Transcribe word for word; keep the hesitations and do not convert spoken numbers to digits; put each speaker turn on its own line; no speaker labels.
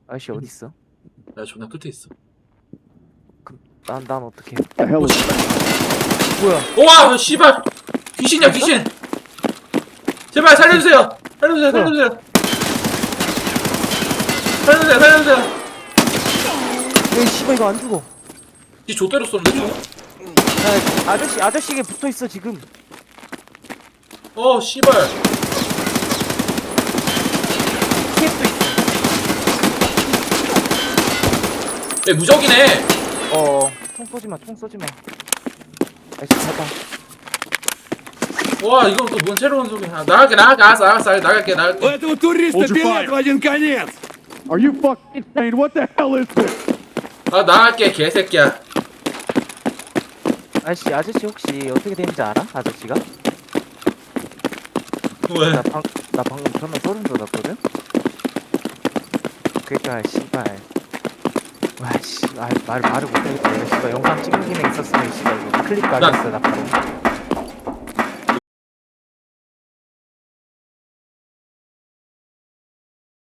아저씨 어디 있어?
야 존나 끝에 있어.
난 난 어떻게?
The hell is
뭐야?
우와 씨발 귀신이야 귀신. 제발 살려주세요. 살려주세요 살려주세요. 살려주세요 살려주세요.
야 씨발 이거 안 죽어.
이 좆대로 쏘는데 저?
야 아저씨 아저씨에게 붙어 있어 지금.
어 씨발.
캡도 있어.
얘 무적이네.
어. 총 쏘지 마. 총 쏘지 마. 아저씨 잡아.
와 이건 또 뭔 새로운 소리야. 나갈게 나갈게 알았어 알았어 나갈게
У
나갈게.
этого туриста
Hold your
билет
fire.
в один конец!
Are you fucking insane? What the hell is this?
아 나갈게 개새끼야.
아저씨 아저씨 혹시 어떻게 되는지 알아? 아저씨가?
왜?
나 방 나 방금 전화 소름 돋았거든. 그니까 씨발. 와 씨, 아, 말 말을 못하겠다. 이거 씨발 영상 찍는 기능 있었으면 씨발 이거 클릭 가겠어 나 바로.